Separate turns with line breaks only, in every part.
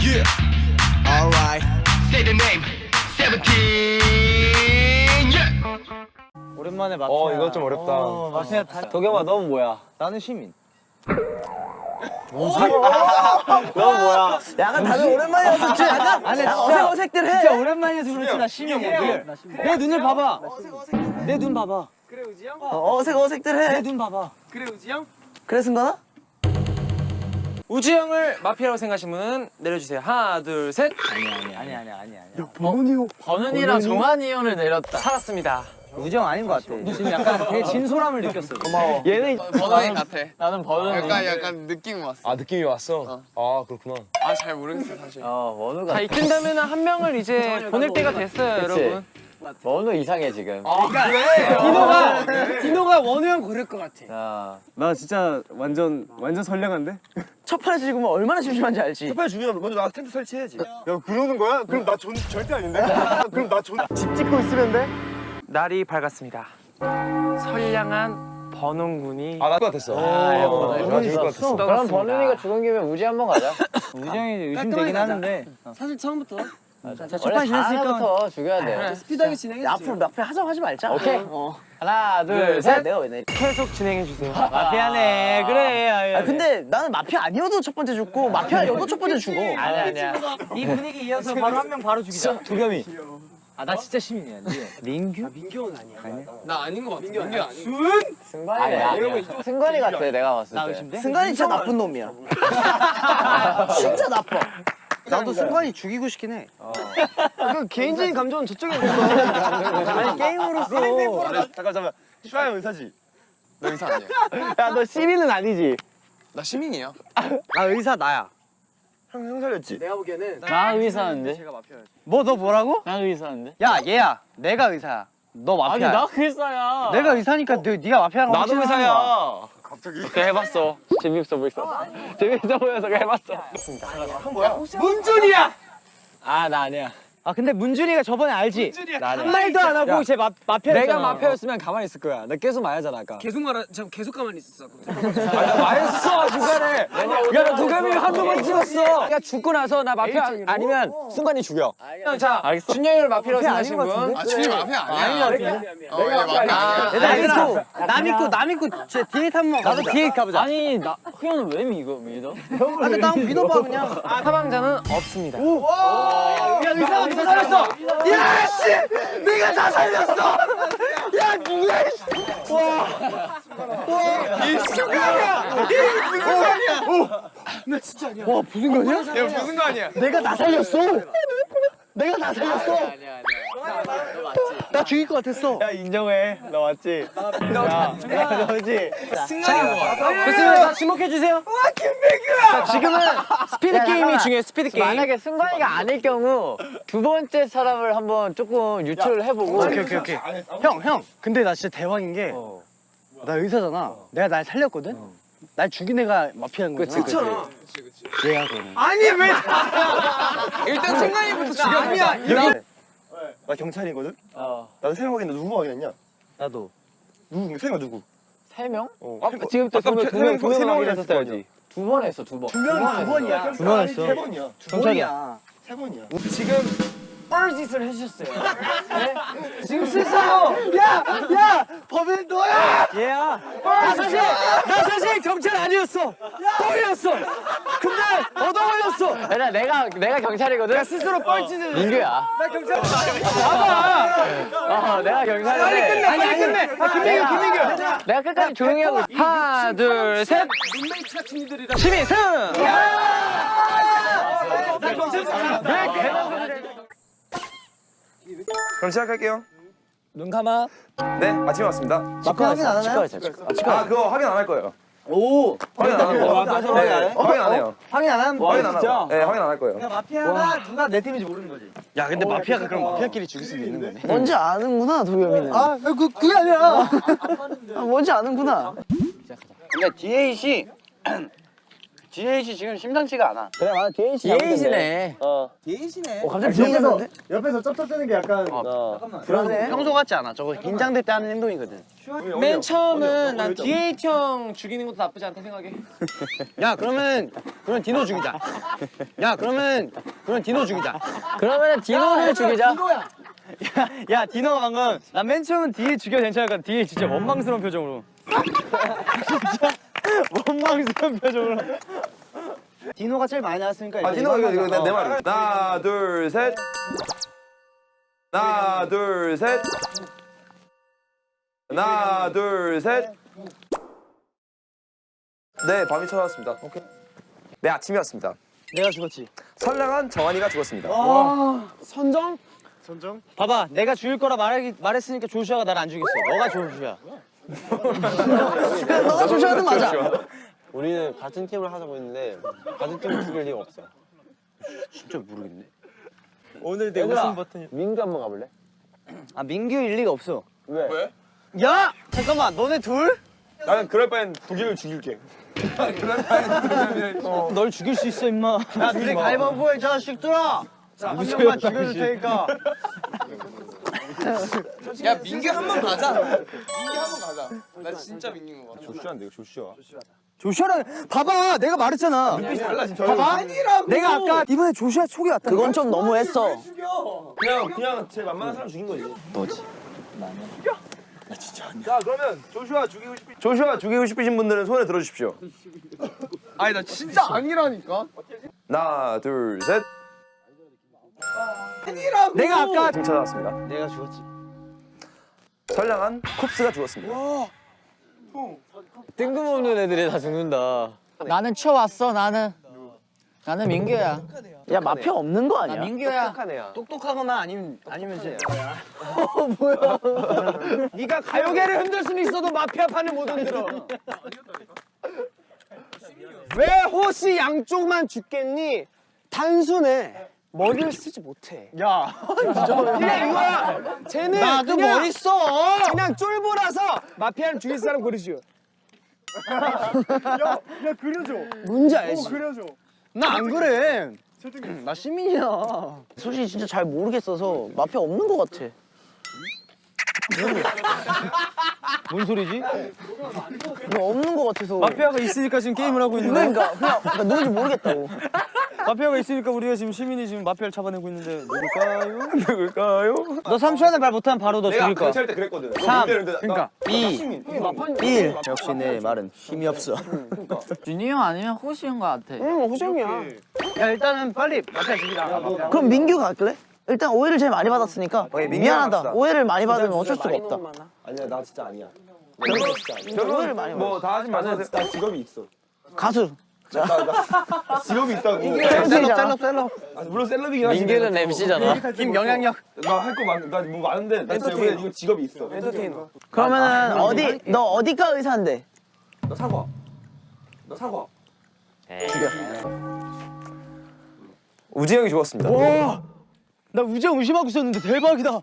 Yeah. Alright. Say the name. 17. Yeah.
오랜만에 마피아.
이거 좀 어렵다.
마피아
도겸아, 넌 뭐야?
나는 시민.
넌 뭐야?
약간 다들 오랜만이어서 좀 약간 아니 어색어색들 해. 진짜 오랜만이어서 그렇지 나 시민이야. 내 눈을 봐봐. 내 눈 봐봐.
그래 우지 형?
어색어색들 해.
네.
내 눈 봐봐.
그래 우지 형?
그래 승관아?
우지 형을 마피아라고 생각하시는 분은 내려주세요. 하나, 둘, 셋.
아니야.
버논이랑 종환이 형을 내렸다.
살았습니다.
우정 아닌 것 같아. 지금 약간 되게 진솔함을 느꼈어. 고마워.
얘는
버논이 같아.
나는 버논이.
약간 느낌이 왔어.
아, 느낌이 왔어? 아, 그렇구나.
아, 잘 모르겠어, 사실.
원우가.
자, 이쯤되면 한 명을 이제 보낼 때가 됐어요, 여러분.
원우 이상해, 지금.
디노가 원우 형 고를 것 같아.
자.
나 진짜 완전 선량한데?
첫 판에 죽으면 얼마나 심심한지 알지?
빨리 죽이면 먼저 나 텐트 설치해야지. 야, 그러는 거야? 그럼 나 절대 아닌데? 그럼 나 집 짓고 있으면 돼?
날이 밝았습니다. 선량한 버논군이
아, 나도 같았어.
버논이
것
있었어?
그럼 버논이가 죽은 김에 우지 한번 가자.
우정이 의심되긴 하는데.
사실 처음부터
첫판 지냈으니까
부터 죽여야 돼.
스피드하게 진행해
앞으로 마피아 하자고 하지 말자.
오케이. 하나, 둘, 셋.
내가 왜 내리?
계속 진행해 주세요.
마피아네 그래. 근데 나는 마피아 아니어도 첫 번째 죽고 마피아여도 첫 번째 죽어.
아니야.
이 분위기 이어서 바로 한 명 바로 죽이자. 도겸이. 아 나 진짜 시민이야. 민규? 민규는 아니야.
나 아닌 것 같아. 민규 아니야.
승관이 승관이 같아, 내가 봤을
나
때.
의심돼? 승관이 진짜 나쁜 놈이야. 진짜 나빠. 나도 승관이 죽이고 싶긴 해.
그 개인적인 감정은 저쪽에 있는
아니 게임으로서.
잠깐. 슈아 형 의사지?
너 의사 아니야.
야 너 시민은 아니지?
나 시민이야.
나 의사 나야.
형 살렸지?
내가 보기에는
나 의사인데?
뭐 너 뭐라고?
나 의사인데?
야 얘야. 내가 의사야. 너 마피아야.
나 의사야.
내가 의사니까 네가 마피아라고
나도
확신하는 거야.
의사야. 갑자기? 그래 해봤어. 재밌어 보였어. 재밌어 보여서 해봤어.
문준이야.
아, 나 아니야.
아 근데 문준이가 저번에 알지?
한 말도 안 하고 제 마피아.
내가 마피아였으면 가만히 있을 거야. 나 계속 말하잖아, 아까.
계속 계속 가만히 있었어.
말했어, 중간에. 야, 나 도겸이 한두 번 찍었어. 야, 죽고 나서 나 마피아 아니면 순간이 죽여.
자, 준영이를 마피아라고 생각하시는 분.
아, 준이 마피아 아니야. 얘 마피아 아니야.
얘들아 나 믿고 제 디에이트 한번 가보자. 나도 디에이트 가보자.
아니, 나 형은 왜 믿어?
근데 나 믿어봐 그냥.
사망자는 없습니다.
야 의사가 다 살렸어. 야 씨, 내가 다 살렸어. 야 누구야? 이 순간이야. 이 순간이야. 나 진짜 아니야. 와 무슨 거냐?
야, 무슨 거 아니야.
내가 다 살렸어. 내가 다 살렸어. 나 죽일 것 같았어.
야, 인정해. 나 맞지? 야, 너지?
좋습니다. 다 지목해 주세요. 와 김백규야. 지금은 스피드 게임이 중요해. 스피드 게임.
만약에 순간이가 아닐 경우 두 번째 사람을 한번 조금 유출을 해보고.
오케이. 형. 근데 나 진짜 대박인 게. 나 의사잖아. 내가 날 살렸거든. 날 죽인 애가 마피아인 거야.
그치.
얘야 그러면.
아니 왜?
일단 승관이부터 죽여.
아니야.
나 경찰이거든? 나도 세 명 확인했는데 누구 확인했냐?
나도.
누구? 세 명 누구?
3명?
지금부터 세 명 확인했어야지.
두 번 했어, 두 번.
두 번이야.
두 번 했어. 세 번이야.
경찰이야.
세 번이야.
지금 뻘짓을 해주셨어요.
지금 스스로 야 범인 너야. 얘야. 나 사실 경찰 아니었어. 뻥이었어. 근데 얻어 걸렸어.
얘들아, 내가 경찰이거든?
스스로 뻘짓을.
민규야.
나 경찰.
내가 경찰인데.
빨리 끝내. 김민규.
내가 끝까지 조용히 하고 있어.
하나, 둘, 셋. 시민 승.
그럼 시작할게요.
눈 감아.
네, 아침에 왔습니다.
마피아 확인 안 하나요?
아, 그거 확인 안 할 거예요.
오.
확인 안 해요. 확인 안 해요.
확인 안 하면
확인 안 하고. 네, 확인 안 할 거예요.
마피아가 누가 내 팀인지 모르는 거지. 야 근데 마피아가 그럼 마피아끼리 죽일 수도 있는 거네. 뭔지 아는구나 도겸이는. 그게 아니야. 뭔지 아는구나.
근데 DAC
DH 지금 심상치가 않아.
그래 맞아 DH네.
갑자기
옆에서 쩝쩝대는 게 약간
불안해. 평소 같지 않아. 저거 긴장될 때 하는 행동이거든.
맨 처음은 난 D8 형 죽이는 것도 나쁘지 않다 생각해.
야 그러면 디노 죽이자. 그러면 디노 죽이자.
그러면 디노를 죽이자.
야 디노가 방금 나 맨 처음은 뒤에 죽여 괜찮을까? 뒤에 진짜 원망스러운 표정으로. 진짜 원망스러운 표정으로. 디노가 제일 많이 나왔으니까.
디노 이거 내 말이야. 하나 둘 셋. 하나 둘 셋. 하나 둘 셋. 네 밤이 찾아왔습니다. 오케이. 네 아침이었습니다.
내가 죽었지.
선량한 정한이가 죽었습니다.
선정? 봐봐, 내가 죽일 거라 말했으니까 조슈아가 나를 안 죽였어. 너가 조슈아. 너가 조슈아는 맞아.
우리는 같은 팀을 하자고 했는데 같은 팀을 죽일 리가 없어.
진짜 모르겠네.
오늘 내 웃음 버튼이. 민규 한번 가볼래?
아 민규 일리가 없어.
왜?
야 잠깐만, 너네 둘?
나는 그럴 바엔 독일을 죽일게.
널 죽일 수 있어 임마. 야 둘이 가위바위보해 자식들아. 한 명만 죽여줄 테니까.
야 민규 한 번 가자. 민규 한 번 가자. 나 진짜 민규인 거 같아.
조슈아인데 이거 조슈아.
조슈아랑 봐봐, 내가 말했잖아. 봐봐, 내가 아까 이번에 조슈아 촉이 왔다.
그건 좀 너무했어.
그냥 제일 만만한 사람 죽인 거지. 너지. 나 진짜 아니야. 자 그러면 조슈아 죽이고 싶으신 분들은 손에 들어주십시오.
아니 나 진짜 아니라니까.
하나 둘 셋.
내가 아까
지금 찾아왔습니다.
내가 죽었지.
선량한 쿱스가 죽었습니다.
뜬금없는 애들이 다 죽는다.
나는 치워왔어. 나는 민규야.
야 마피아 없는 거 아니야?
민규야.
똑똑하거나 아니면 쟤. 뭐야? 네가 가요계를 흔들 수는 있어도 마피아 판을 못 흔들어. 왜 호시 양쪽만 죽겠니? 단순해. 머리를 쓰지 못해. 야, 그냥 이거야. 쟤는 나도 머리 써. 그냥 쫄보라서 마피아를 죽일 사람 고르시오. 야 그려줘. 뭔지 알지? 그려줘. 나 안 그래. 나 시민이야.
솔직히 진짜 잘 모르겠어서 마피아 없는 것 같아.
뭔 소리지?
뭐 없는 것 같아서.
마피아가 있으니까 지금 게임을 하고 있는 거야.
그냥 누군지 모르겠다고.
마피아가 있으니까 우리가 지금 시민이 지금 마피아를 잡아내고 있는데 누굴까요? 너 3초 안에 말 못하면 바로 너 죽일 거야.
경찰 때 그랬거든.
3, 그러니까 2, 1. 역시 내 말은 힘이 없어.
준이 형 아니면 호시 형 것 같아.
호정이야. 야 일단은 빨리 마피아 죽이자.
그럼 민규가 할래? 일단 오해를 제일 많이 받았으니까
민규랑
미안하다.
합시다.
오해를 많이 받으면 어쩔 수가 없다.
아니야 나 진짜 아니야.
오해를 많이 받았어.
뭐다 하지 마세요.
나 직업이 있어.
가수.
나 직업이 있다고.
셀럽.
물론 셀럽이긴 하지.
민규는 MC잖아.
힘 영향력.
나 할 거 나뭐 많은데 나 진짜 이거 직업이 있어.
그러면은 너 어디과 의사인데?
너 사과. 우지 형이 죽었습니다.
나 우정 의심하고 있었는데 대박이다.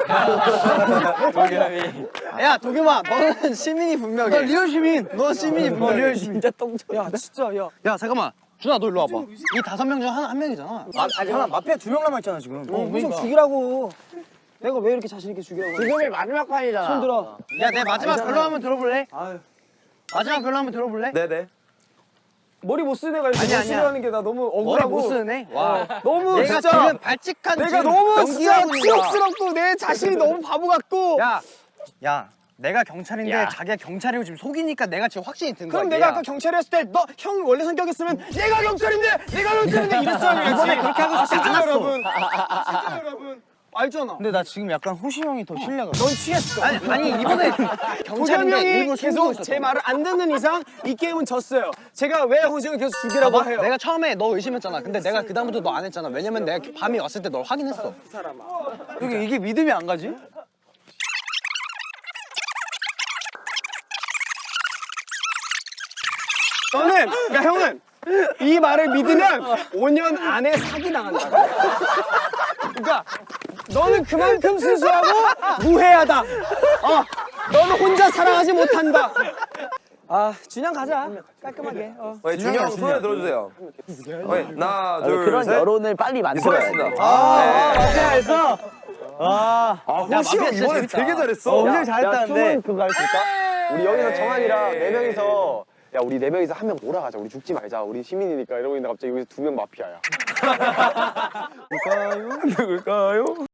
야 도겸아, 너는 시민이 분명해. 나 리얼 시민. 너 시민이 분명해. 리얼 시민. 진짜 똥쳐. 야 진짜 야. 야 잠깐만. 준아 너 일로 와봐. 이 5명 중 한 명이잖아. 아니 하나 마피아 2명 남아있잖아 지금. 그러니까. 죽이라고. 내가 왜 이렇게 자신 있게 죽이라고?
지금이 마지막 판이잖아.
손 들어. 야 내 마지막 별로 한번 들어볼래? 마지막 별로 한번 들어볼래?
네네.
머리 못 쓰는 애가 이렇게 못 쓰는 게 나 너무
머리
억울하고.
못 쓰네. 와.
너무
내가
진짜.
지금 발칙한
내가
지금
너무 진짜
연기하고 있는 거야.
치욕스럽고 내 자신이 너무 바보 같고.
야, 내가 경찰인데 자기가 경찰이고 지금 속이니까 내가 지금 확신이 든 거야.
그럼 내가 아까 경찰이었을 때 너 형 원래 성격이었으면 내가 경찰인데 이랬어야지.
이번에 그렇게 하고 싶지 않았어.
여러분. 진짜 여러분. 알잖아.
근데 나 지금 약간 호시 형이 더 신뢰가.
넌 취했어.
아니 이번에 경찰인데
호정이
일부러 숨기고
계속
있었어.
제 말을 안 듣는 이상 이 게임은 졌어요. 제가 왜 호정을 계속 죽이라고 해요?
내가 처음에 너 의심했잖아. 근데 내가 그 다음부터 너 안 했잖아. 왜냐면 내가 밤이 왔을 때 널 확인했어. 이게 믿음이 안 가지?
너는 그러니까 형은 이 말을 믿으면 5년 안에 사기 당한다. 그러니까 너는 그만큼 순수하고 무해하다. 너는 혼자 사랑하지 못한다.
준영 가자. 깔끔하게.
준영 손에 들어주세요. 하나, 둘,
그런
셋.
여론을 빨리 만들어야 돼.
수고하셨습니다.
마피아에서
호시 형 이번에 되게 잘했어.
엄청 잘했다는데
그거 할 수 있다? 우리 여기서 정한이랑 4명이서 야 우리 4명이서 한 명 몰아가자. 우리 죽지 말자. 우리 시민이니까 이러고 있는데 갑자기 여기서 2명 마피아야.
누굴까요?